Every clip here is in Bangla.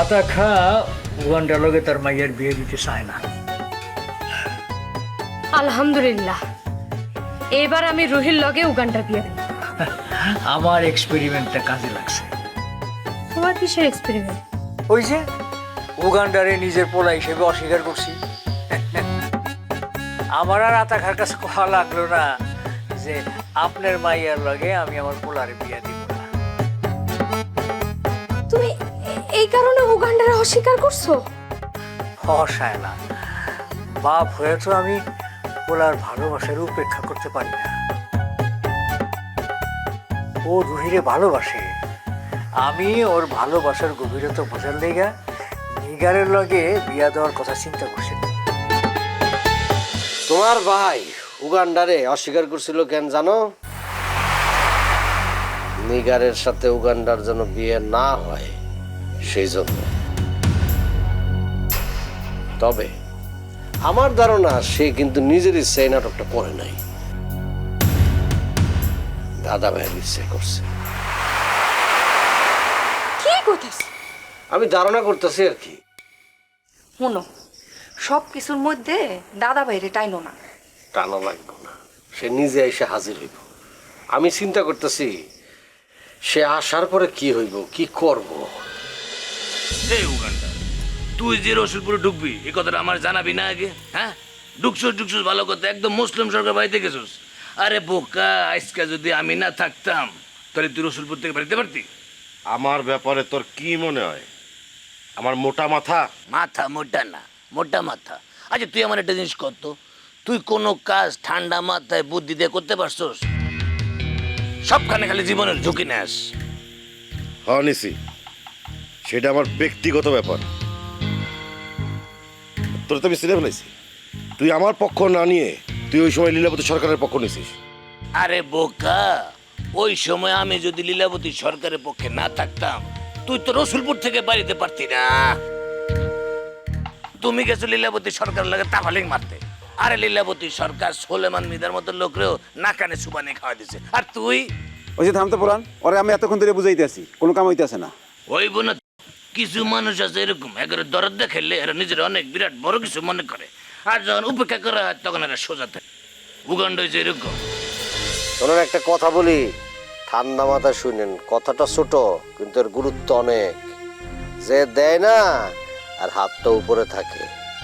আতা খা উগান্ডার লগে তার মাইয়ের বিয়ে দিতে চায় না। আলহামদুলিল্লাহ, এবার আমি রুহির লগে উগান্ডার বিয়ে দেব। আমার এক্সপেরিমেন্টটা কাজে লাগছে। তোমার কিসের এক্সপেরিমেন্ট? ওই যে উগান্ডারে নিজের পোলা হিসেবে অস্বীকার করছি। আমার আর আতা খার কাছে কথা লাগলো না যে আপনার মাইয়ার লগে আমি আমার পোলারে বিয়ে দিব না। তুমি এই কারণে উগান্ডারে অস্বীকার করছো? হসায় না, বাপ হয়ে তো আমি পোলার ভালোবাসার উপেক্ষা করতে পারি না। ও রুহিরে ভালোবাসে, আমি ওর ভালোবাসার গভীরতা বোঝার লেগা নিগারের লগে বিয়া দেওয়ার কথা চিন্তা করছি। তোমার ভাই উগান্ডারে অস্বীকার করছিল কেন জানো? নিগারের সাথে উগান্ডার যেন বিয়ে না হয় সেই জন্য। তবে আমার ধারণা সে কিন্তু নিজের ইচ্ছায় নাটকটা করে নাই, দাদা ভাইয়ের ইচ্ছে করছে। কি করতেছ? আমি ধারণা করতেছি আর কি। শুনো, সব কিছুর মধ্যে দাদা বাইরে টাইনো না। টানা লাগবে না, সে নিজে এসে হাজির হইব। আমি চিন্তা করতেছি সে আসার পরে কি হইব, কি করব। এই উগান্ডা, তুই যে রসুলপুরে ঢুকবি এই কথাটা আমার জানাবি না আগে? হ্যাঁ, ঢুকছুস ভালো কথা, একদম মুসলিম সরকার বাড়িতে গেছিস। আরে বোকা, আজকে যদি আমি না থাকতাম তাহলে তুই রসুলপুর থেকে বাড়িতে পারতি? আমার ব্যাপারে তোর কি মনে হয়? আমার মোটা মাথা? মাথা মোটা না, মোটা মাথা। আচ্ছা তুই আমার একটা জিনিস করত, তুই কোনো কাজ ঠান্ডা মাথায় বুদ্ধি দিয়ে করতে পারছস? সবখানে খালি জীবনের ঝুঁকি নেস। হ্যাঁ নিছি, সেটা আমার ব্যক্তিগত ব্যাপার। তোর তো আমি চিনে ফেলেছি। তুই আমার পক্ষ না নিয়ে তুই ওই সময় লীলাবতী সরকারের পক্ষ নিছিস। আরে বোকা, ওই সময় আমি যদি লীলাবতী সরকারের পক্ষে না থাকতাম তুই তো রসুলপুর থেকে বাড়িতে পারতি না। তুমি গেছো লীলাবতী সরকার লাগে তাফালিং মারতে। আরে লীলাবতী সরকার সোলেমান মিদার মতো লোকরেও নাকানে সুবানি খাওয়া দিছে, আর তুই? ওই যে থামতে পুরান, ওরে আমি এতক্ষণ ধরে বুঝাইতে আছি, কোনো কাম হইতেছে না। ওই বোন, কিছু মানুষ আছে এরকম, একেবারে দরদ দেখাইলে এরা নিজের অনেক বিরাট বড় কিছু মনে করে, আর যখন উপেক্ষা করা হয় তখন এরা সোজা থাকে। উগান্ড হয়েছে এরকম। শোনেন, একটা কথা বলি, ঠান্ডা মাথায় শুনেন। কথাটা ছোট কিন্তু এর গুরুত্ব অনেক। যে দেয় না আর হাতটা উপরে থাকে,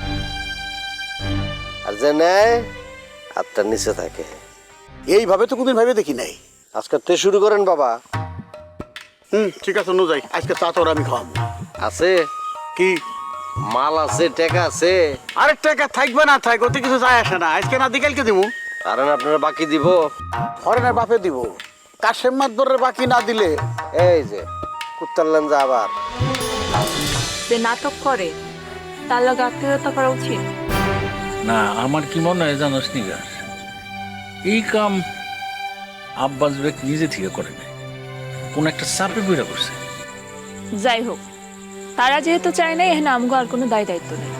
আর যে নেয় হাতটা নিচে থাকে। এইভাবে তো কোনদিন ভাবে দেখি নাই। আজকে তে শুরু করেন বাবা। ঠিক আছে, নো যাই, আজকে চা তোর আমি খাওয়াবো। আছে কি মাল আছে, টাকা আছে? আরেক টাকা থাকবে না থাক, ওতে কিছু যায় আসে না। আজকে না দিকালকে দিব, কারণ আপনারা বাকি দিব। হরেনের বাপে দিব। কাশেম মাদ্দরের বাকি না দিলে এই যে কুত্তারলেন যা আবার। যে নাটক করে তার লগে আত্মীয়তা করা উচিত না। আমার কি মনে হয় জানোস নিগার, এই কাম আব্বাস বেগ নিজে থেকে করে নাই, কোন একটা চাপে বইরা করছে। যাই হোক, তারা যেহেতু চায় না, এখানে আমগো আর কোনো দায় দায়িত্ব নেই।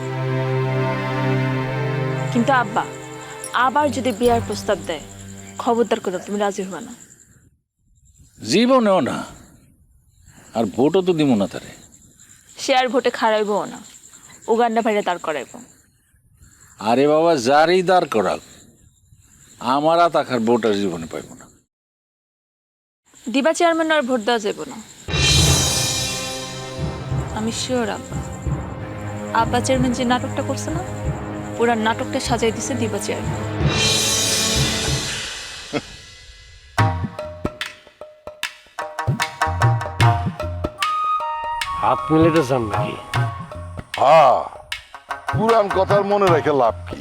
কিন্তু আব্বা আবার যদি বিয়ার প্রস্তাব দেয়, খবরদার করে তুমি রাজি হবা না। জীবনেও না, আর ভোটও তো দিব না তারে। সে আর ভোটে খারাইবও না, উগান্ডা ভাইরে দাঁড় করাইব। আরে বাবা, যারই দাঁড় করাক, আমার আর তাকার ভোট আর জীবনে পাইব না। দিবা চেয়ারম্যান আর ভোট দেওয়া যাব না, আমি শিওর। আব্বা আব্বা চেয়ারম্যান যে নাটকটা করছে না, পুরা নাটকটা সাজাই দিছে দিবা চেয়ারম্যান। হাত মিলাইতে চান নাকি? হ্যাঁ, পুরান কথার মনে রেখে লাভ কি?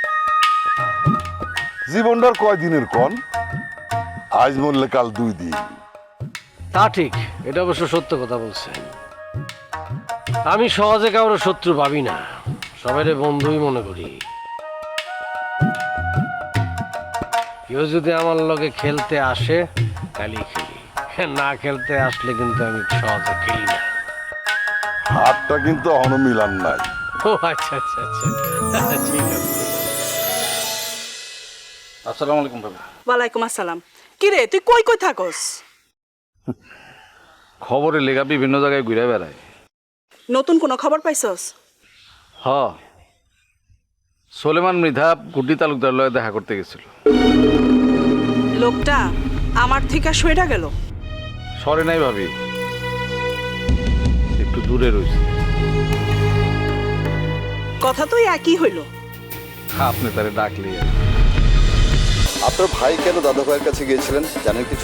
জীবনটার কয়দিনের কন? আজ মরলে কাল 2 দিন। তা ঠিক, এটা অবশ্য সত্য কথা বলছেন। আমি সহজে কারোর শত্রু ভাবি না, সবাইরে বন্ধুই মনে করি। কেউ যদি আমার লগে খেলতে আসে তাহলেই খেলি, না খেলতে আসলে কিন্তু আমি সহজে খেলি না। হাতটা কিন্তু এখনো মিলান নাই। ও আচ্ছা আচ্ছা আচ্ছা, ঠিক আছে। আসসালামু আলাইকুম বাবা। ওয়ালাইকুম আসসালাম। কি রে, তুই কই কই থাকস? খবরে লেখা বিভিন্ন জায়গায় ঘুরে বেড়ায়, নতুন কোনো খবর পাইছস? হ, সোলেমান মৃধা গুড্ডি তালুকদার লয়ে দেখা করতে গেছিল। লোকটা আমার থেকে সইরা গেল। সরে নাই ভাবি, একটু দূরে রয়েছে। কথা তো একই হইল। আপনি তারে ডাকলি আপনার ভাই কেন দাদা ভাইয়ের কাছে গিয়েছিলেন জানেন কিছু?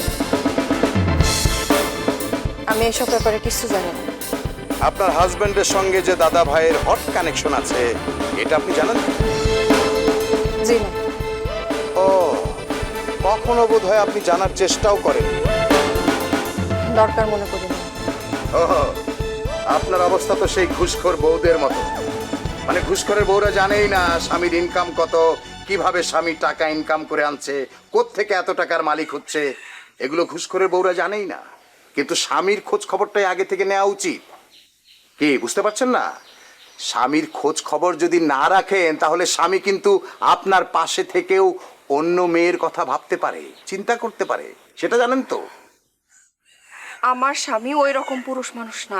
আমি এসব ব্যাপারে কিছু জানি না। আপনার হাজবেন্ডের সঙ্গে যে দাদা ভাইয়ের হট কানেকশন আছে এটা আপনি জানেন? জি না। ও, কখনো বোধ হয় আপনি জানার চেষ্টাও করেন। দরকার মনে করি না। ও, আপনার অবস্থা তো সেই ঘুষখোর বউদের মতো। মানে ঘুষখোরের বউরা জানেই না স্বামীর ইনকাম কত, কিভাবে স্বামী টাকা ইনকাম করে আনছে, কোত্থেকে এত টাকার মালিক হচ্ছে, এগুলো ঘুষখোরের বউরা জানেই না। কিন্তু স্বামীর খোঁজ খবরটাই আগে থেকে নেওয়া উচিত। কি বুঝতে পারছেন না? স্বামীর খোঁজ খবর যদি না রাখেন তাহলে স্বামী কিন্তু আপনার পাশে থেকেও অন্য মেয়ের কথা ভাবতে পারে, চিন্তা করতে পারে, সেটা জানেন তো? আমার স্বামী ওই রকম পুরুষ মানুষ না।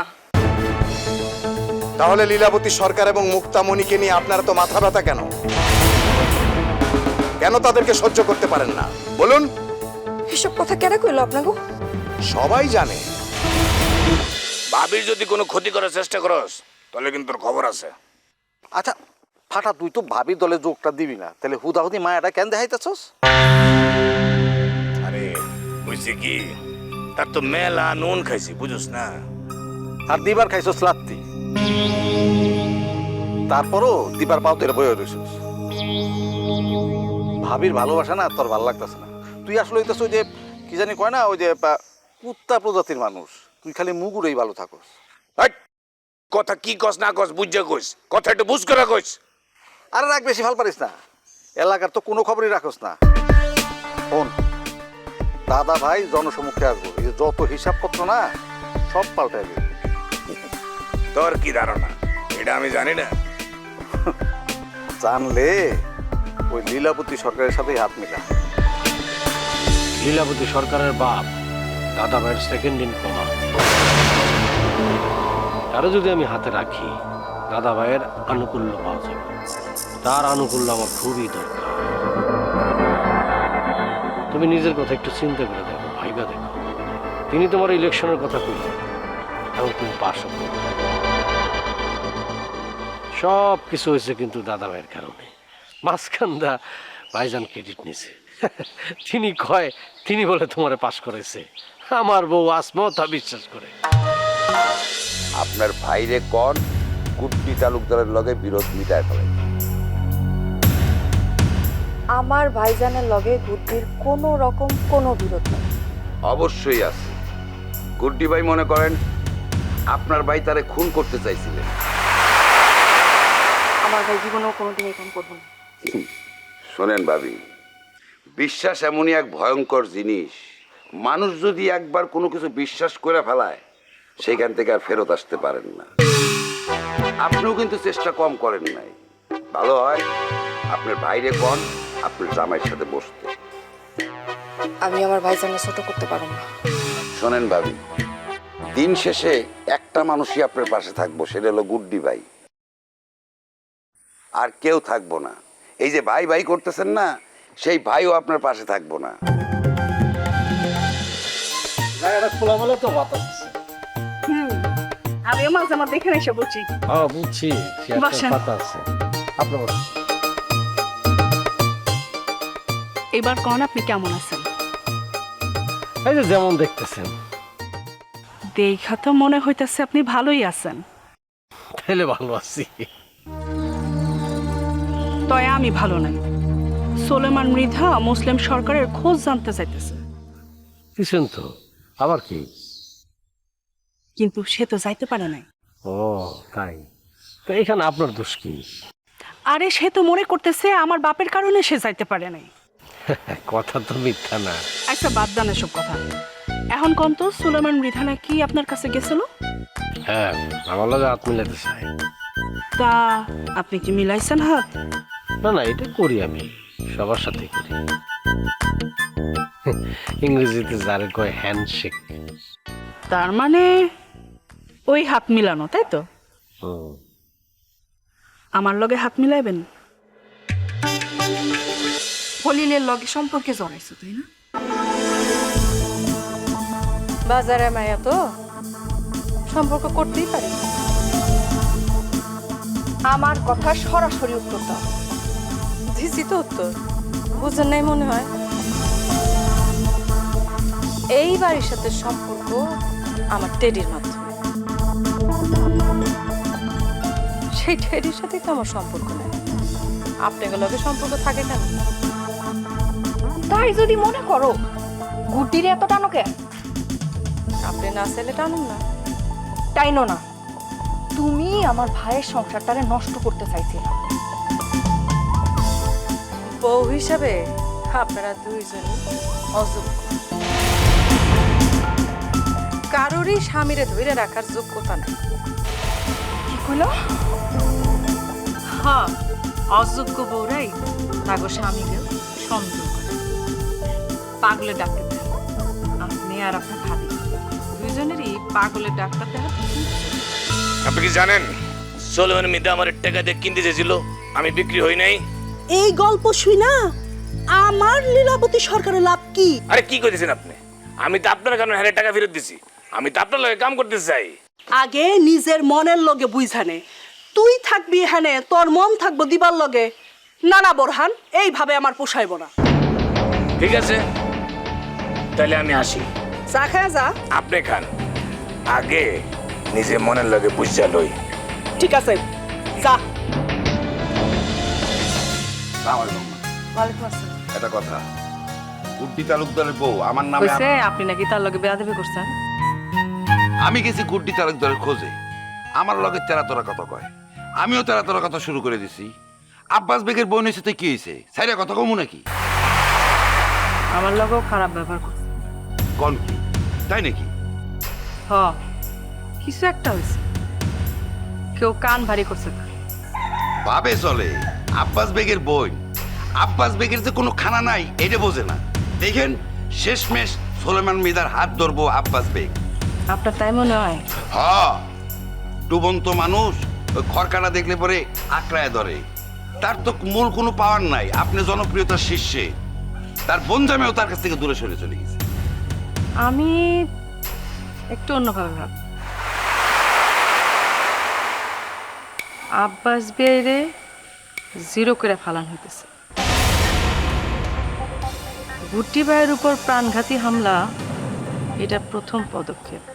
তাহলে লীলাবতী সরকার এবং মুক্তামণিকে নিয়ে আপনারা তো মাথা ব্যথা কেন? কেন তাদেরকে সহ্য করতে পারেন না বলুন? এসব কথা কেন কইলো আপনাকে? সবাই জানে। ভাবির যদি কোনো ক্ষতি করার চেষ্টা করস তাহলে কিন্তু তোর খবর আছে। আচ্ছা ফাটা, তুই তো ভাবি দলে যোগটা দিবি না, তাহলে হুদাহুদি মায়াটা কেন দেখাইতেছস? আরে বুঝছি কি, তার তো মেলা নুন খাইছি বুঝছ না। আর দিবার খাইছস লাত্তি, তারপরও দিবার পাও তেরে বয়ে রইছস। ভাবির ভালোবাসা না তোর ভালো লাগতেছে না। তুই আসলে হইতেছ ওই যে কি জানি কয় না, ওই যে কুত্তা প্রজাতির মানুষ। তুই খালি মুগুরেই ভালো থাকস। কথা কি কস না কস বুঝা কইস, কথা একটু বুঝ করে কইস। আরে রাখ, বেশি ভাল পারিস না। এলাকার তো কোনো খবরই রাখস না। শোন, দাদা ভাই জনসমুখে আসবো, এই যে যত হিসাবপত্র না সব পাল্টাই দেবে। তোর কি ধারণা এটা আমি জানি না? জানলে ওই লীলাবতী সরকারের সাথেই হাত মিলা। লীলাবতী সরকারের বাপ দাদা ভাইয়ের সেকেন্ড ইন কমা, তারা যদি আমি হাতে রাখি দাদা ভাইয়ের আনুকূল্য পাওয়া যাবে। তার আনুকূল্য আমার খুবই দরকার। তুমি নিজের কথা একটু চিন্তা করে দেখো, ভাইবা দেখো। তিনি তোমার ইলেকশনের কথা কইলেন এবং তুমি পাশ করো। সব কিছু হয়েছে কিন্তু দাদা ভাইয়ের কারণে। মাঝখানদা ভাইজান ক্রেডিট নিছে। তিনি কয় তিনি বলে তোমারে পাশ করেছে। আমার বউ আসমাও তা বিশ্বাস করে। আপনার ভাইরে কন গুড্ডি তালুকদারের লগে বিরোধ মিটায় ফেলে। আমার ভাইজানের লগে গুড্ডির কোনো রকম কোনো বিরোধ নেই। অবশ্যই আছে। গুড্ডি ভাই মনে করেন আপনার ভাই তারে খুন করতে চাইছিলেন। আমার ভাই জীবনেও কোনোদিন এরকম করবো না। শোনেন ভাবি, বিশ্বাস এমনই এক ভয়ঙ্কর জিনিস, মানুষ যদি একবার কোনো কিছু বিশ্বাস করে ফেলায় সেখান থেকে আর ফেরত আসতে পারেন না। আপনিও কিন্তু চেষ্টা কম করেন নাই। ভালো হয় আপনার বাইরে কন আপনার জামাইয়ের সাথে বসতে। আমি আমার ভাইজানকে ছোট করতে পারবো না। শোনেন ভাবি, দিন শেষে একটা মানুষই আপনার পাশে থাকবো, সেটা হলো গুড্ডি ভাই। আর কেউ থাকবো না। এই যে ভাই ভাই করতেছেন না, সেই ভাইও আপনার পাশে থাকবো না। খোলামেলা তো বাতাস। আমিও মাঝে মাঝে এখানে এসে বলছি। হ্যাঁ বুঝছি, বসেন। পাতা আছে আপনার। এবার কোন আপনি কেমন আছেন? এই যে যেমন দেখতেছেন। দেখা তো মনে হইতেছে আপনি ভালোই আছেন। তাহলে ভালো আছি। তয় আমি ভালো নাই। সোলেমান মৃধা মুসলিম সরকারের খোঁজ জানতে চাইতেছে। কিছুন তো আবার কি? কিন্তু সে তো যাইতে পারে নাই। ও তাই? তো এখানে আপনার দোষ কি? আরে সে তো মনে করতেছে আমার বাপের কারণে সে যাইতে পারে নাই। কথা তো মিথ্যা না। আচ্ছা বাদ দেন এসব কথা। এখন কোন তো সোলেমান মৃধা নাকি আপনার কাছে গেছিল? হ্যাঁ, আমার লগে হাত মিলাতে চাই। তা আপনি কি মিলাইছেন হাত? না না, এটা করি আমি, সবার সাথে করি। ইংরেজিতে যারে কয় হ্যান্ডশেক। তার মানে ওই হাত মিলানো, তাই তো? আমার লগে হাত মিলাইবেন? খলিলের লগে সম্পর্কে জড়াইছো, তাই না? বাজারে মায়া তো সম্পর্ক করতেই পারি। আমার কথা সরাসরি উত্তর দাও। দিছি তো উত্তর, বুঝেন নাই মনে হয়। এই বাড়ির সাথে সম্পর্ক আমার টেডির মাধ্যমে। সেই টেডির সাথেই তো আমার সম্পর্ক নেই। আপনাদের লগে সম্পর্ক থাকে কেন? তাই যদি মনে করো, গুটির এত টানো কে? আপনি না চাইলে টানুন না। টাইনো না, তুমি আমার ভাইয়ের সংসারটারে নষ্ট করতে চাইছিলে। বউ হিসাবে আপনারা দুইজনই অযোগ্য। কারোরই স্বামীরে ধরে রাখার যোগ্যতা নাই। কি কইলো? হ্যাঁ, অযোগ্য বউরাই তাগো স্বামীকে সন্দেহ করে। পাগলের ডাক্তার দেন আপনি আর আপনার ভাবি, দুইজনেরই পাগলের ডাক্তার দেন। আপনি কি জানেন সোলেমান মিদা আমার টাকা দিয়ে কিনতে চেয়েছিল, আমি বিক্রি হই নাই। এই গল্প শুই না আমার লীলাবতী সরকারের লাভ কি? আরে কি কইতেছেন আপনি? আমি তো আপনার কারণে হারে টাকা ফেরত দিছি। আমি তো আপনার লগে কাম করতে চাই। আগে নিজের মনের লগে বুঝানে, তুই থাকবি এখানে, তোর মন থাকবো দিবার লগে। না না বোরহান, এইভাবে আমার পোষাইব না। ঠিক আছে, তাহলে আমি আসি। চা খায় যা। আপনি খান, আগে নিজে মনের লগে বুঝা লই। ঠিক আছে, যা। ওয়ালাইকুম আসসালাম। একটা কথা, গুড্ডি তালুকদারের বউ আমার নামে কইছে আপনি নাকি তার লগে বেয়াদবি করছেন। আমি গেছি গুড্ডি তালুকদারের খোঁজে, আমার লগে তেরা তোরা কথা কয়, আমিও তেরা তোরা কথা শুরু করে দিছি। আব্বাস বেগের বোন এসে তো কি হয়েছে, সাইরা কথা কমু নাকি? আমার লগেও খারাপ ব্যবহার করছে। কোন কি তাই নাকি? হ, কিছু একটা হয়েছে, কেউ কান ভারী করছে তার। ভাবে চলে আব্বাস বেগের বোন, আব্বাস বেগের যে কোনো খানা নাই এটা বোঝে না। দেখেন শেষমেশ সোলেমান মিদার হাত ধরবো আব্বাস বেগ। আপনার তাই মনে হয়? হ্যাঁ, ডুবন্ত মানুষ ওই খড়কাটা দেখলে পরে আঁকড়ায় ধরে। তার তো মূল কোনো পাওয়ার নাই, আপনি জনপ্রিয়তার শীর্ষে। তার বনজামেও তার কাছ থেকে দূরে সরে চলে গেছে। আমি একটু অন্যভাবে ভাব। আব্বাস বেরে জিরো করে ফালান হইতেছে। গুড্ডি ভাইয়ের উপর প্রাণঘাতী হামলা, এটা প্রথম পদক্ষেপ।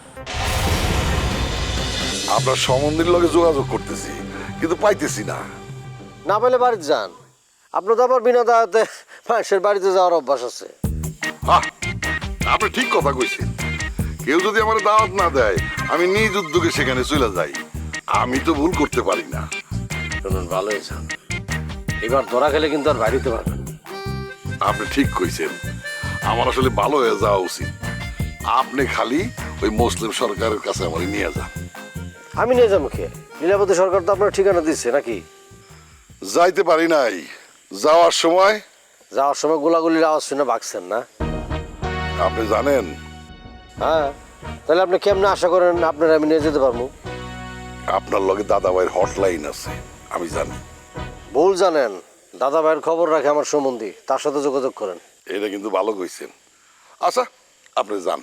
আপনার সম্বন্ধীর লগে যোগাযোগ করতেছি কিন্তু পাইতেছি না। না পেলে বাড়িতে যান। আপনার তো আবার বিনা দাওয়াতে মানুষের বাড়িতে যাওয়ার অভ্যাস আছে। হ্যাঁ, আপনি ঠিক কথা কইছেন। কেউ যদি আমার দাওয়াত না দেয় আমি নিজ উদ্যোগে সেখানে চলে যাই। আমি তো ভুল করতে পারি না। শুনুন, ভালো হয়েছে, এবার ধরা খেলে কিন্তু আর বাড়িতে পারবেন। আপনি ঠিক কইছেন, আমার আসলে ভালো হয়ে যাওয়া উচিত। আপনি খালি ওই মুসলিম সরকারের কাছে আমার নিয়ে যান। আমি নিয়ে যাবো কে? লীলাবতী সরকার তো আপনার ঠিকানা দিচ্ছে নাকি? যাইতে পারি নাই। যাওয়ার সময় গোলাগুলির আওয়াজ শুনে ভাগছেন না? আপনি জানেন? হ্যাঁ, তাহলে আপনি কেমনে আশা করেন আপনার আমি নিয়ে যেতে পারবো? আপনার লগে দাদা ভাইয়ের হটলাইন আছে, আমি জানি। ভুল জানেন, দাদা ভাইয়ের খবর রাখে আমার সম্বন্ধী, তার সাথে যোগাযোগ করেন। এটা কিন্তু ভালো কইছেন। আচ্ছা, আপনি যান।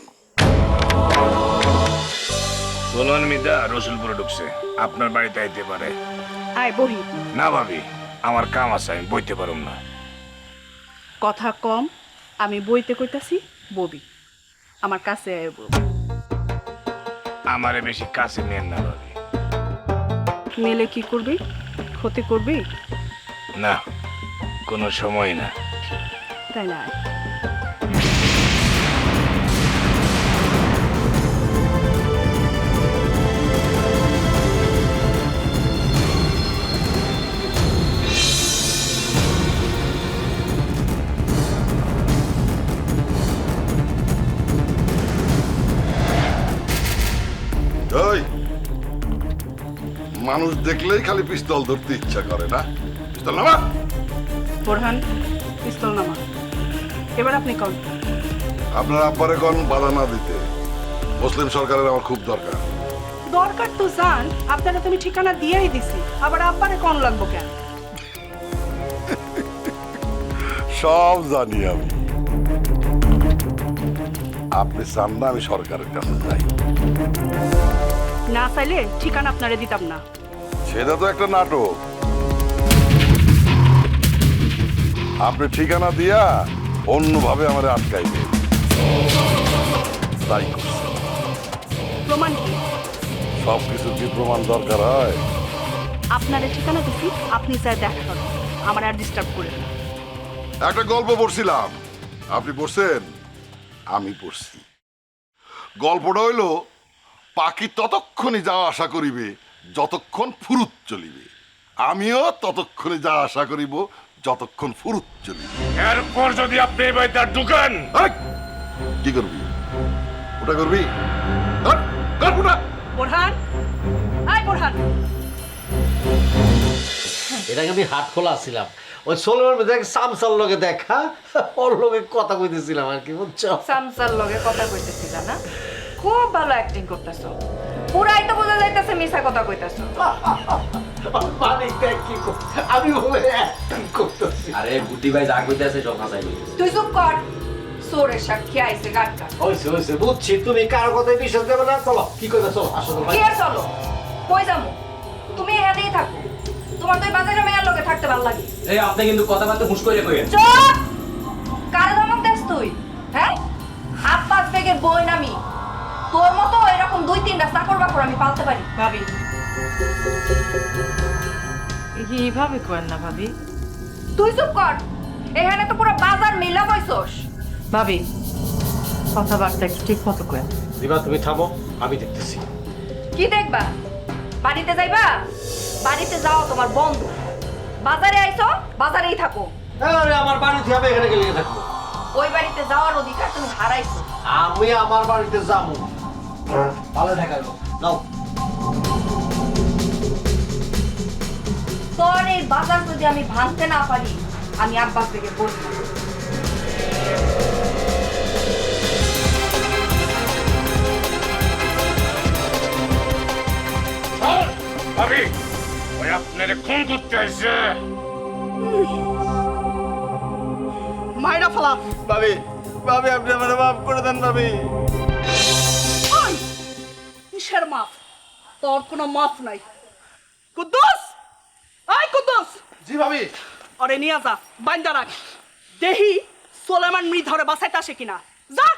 সোলেমান মিদা রসুলপুরে ঢুকছে, আপনার বাড়িতে আইতে পারে। আয় বহি। না ভাবি, আমার কাম আছে, আমি বইতে পারুম না। কথা কম, আমি বইতে কইতাছি, ববি আমার কাছে আয় বউ। আমারে বেশি কাছে নেন না ভাবি। মেলে কি করবি? ক্ষতি করবি? না, কোনো সময় না। তাই না? ওই মানুষ দেখলেই খালি পিস্তল ধরতে ইচ্ছা করে না? পিস্তল নামা। বোরহান, পিস্তল নামা। এবার আপনি কন। আপনার আব্বারে কোন বাধা না দিতে। মুসলিম সরকারের আমার খুব দরকার। দরকার তো জান, আপনারা তুমি ঠিকানা দিয়েই দিছি, আবার আব্বারে কোন লাগবো কেন? সব জানি আমি। আপনি চান না আমি সরকারের কাছে যাই? না চাইলে ঠিকানা আপনারে দিতাম না। সেটা তো একটা নাটক। আপনি ঠিকানা দিয়া অন্যভাবে আমার আটকাইবে, তাই করছে। প্রমাণ কি? সব কিছু কি প্রমাণ দরকার হয়? আপনারে ঠিকানা দিছি, আপনি চাই দেখা করেন, আমার আর ডিস্টার্ব করেন না। একটা গল্প পড়ছিলাম, আপনি পড়ছেন? আমি পড়ছি। গল্পটা হইল পাখি ততক্ষণই যাওয়া আশা করিবে যতক্ষণ ফুরুত চলিবে, আমিও ততক্ষণে যা আশা করিব যতক্ষণ ফুরুত চলিবে। এরপর যদি আপনি এই বাড়িতে আর ঢুকেন, কি করবি? ওটা করবি? কর ওটা। বোরহান, আয় বোরহান। এটাকে আমি হাট খোলা ছিলাম, ওই সোলের দেখ সামসার লগে দেখা, ওর লগে কথা কইতেছিলাম আর কি, বুঝছো? সামসার লগে কথা কইতেছিল না? খুব ভালো অ্যাক্টিং করতেছো, পুরাই তো বোঝা যাইতেছে মিছা কথা কইতেছো। মানে কি আমি বলে অ্যাক্টিং করতেছি? আরে গুটি ভাই যা কইতাছে সব হাসাই কইতাছে। তুই চুপ কর, সোরের সাক্ষী আইছে গাটকা। হইছে হইছে, বুঝছি তুমি কারো কথায় বিশ্বাস দেবে না। চলো কি কথা, চলো আসো। কি আর চলো, কই যামু? তুমি এখানেই থাকো, তোমার তো এই বাজারে মেয়ের লগে থাকতে ভালো লাগে। এই আপনি কিন্তু কথাবার্তা হুঁশ করে কইেন। চুপ! কারে ধমক দেস তুই? হ্যাঁ, আব্বাস বেগের বই নামি, তোর মতো এরকম 2-3টা চাকর বাকর আমি পালতে পারি। ভাবি, এইভাবে করেন না ভাবি। তুই চুপ কর, এখানে তো পুরো বাজার মিলা কইছস। ভাবি, কথাবার্তা একটু ঠিক মতো করেন। দিবা তুমি থামো, আমি দেখতেছি। কি দেখবা? বাড়িতে যাইবা? বাড়িতে যাও তোমার বন্ধ। বাজারে আইছো, বাজারেই থাকো। আরে আমার বাড়িতে আমি এখানে গেলে থাকবো? ওই বাড়িতে যাওয়ার অধিকার তুমি হারাইছো। আমি আমার বাড়িতে যাবো, ভালো দেখাবো। যাও। তোর এই বাজার যদি আমি ভাঙতে না পারি, আমি আব্বাস থেকে বলবো। ভাবি ওই আপনারে খুন করতে আইছে। মাইরা ফেলা। ভাবি ভাবি আপনি আমার মাফ করে দেন ভাবি। ওই কিসের মাফ? তোর কোনো মাফ নাই। কুদ্দুস, আয় কুদ্দুস। জি ভাবি। আরে নিয়ে যা, বাইন্দা রাখ, দেহি সোলেমান মৃধরে বাসাইতে আসে কিনা। যা।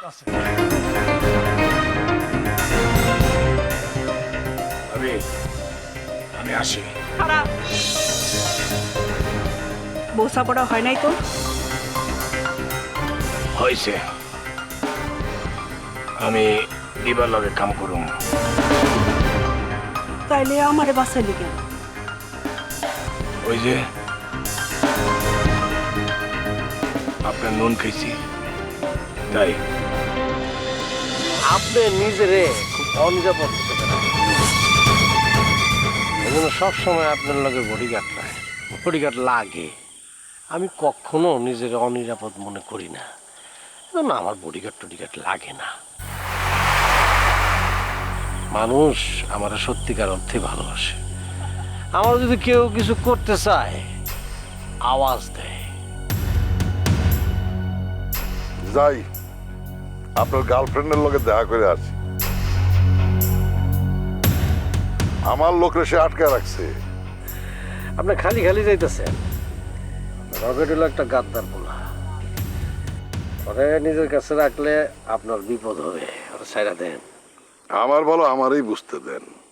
ভাবি আমি আসি। খারাপ বোসা পড়া হয় নাই তো? হয়েছে, আমি দিবার লগে কাম করুম। তাইলে আমারে বাসাইলি কেন? ওই যে আপনার নুন খাইছি তাই। আপনি নিজেরে খুব অনিরাপদ সবসময় আপনার লগে বডিগার্ড নাই, বডিগার্ড লাগে। আমি কখনো নিজের অনিরাপদ মনে করি না, না আমার বডিগার্ড টডিগার্ড লাগে না। মানুষ আমার সত্যিকার অর্থে ভালোবাসে। আমার যদি কেউ কিছু করতে চায় আওয়াজ দেয়। যাই, আপনার গার্লফ্রেন্ডের লগে দেখা করে আসি। আমার লোকরে সে আটকে রাখছে। আপনি খালি খালি যাইতেছেন। রকেট হলো একটা গাদ্দার পোলা, ওরে নিজের কাছে রাখলে আপনার বিপদ হবে, ওরা ছাইরা দেন। আমার বলো আমারই বুঝতে দেন।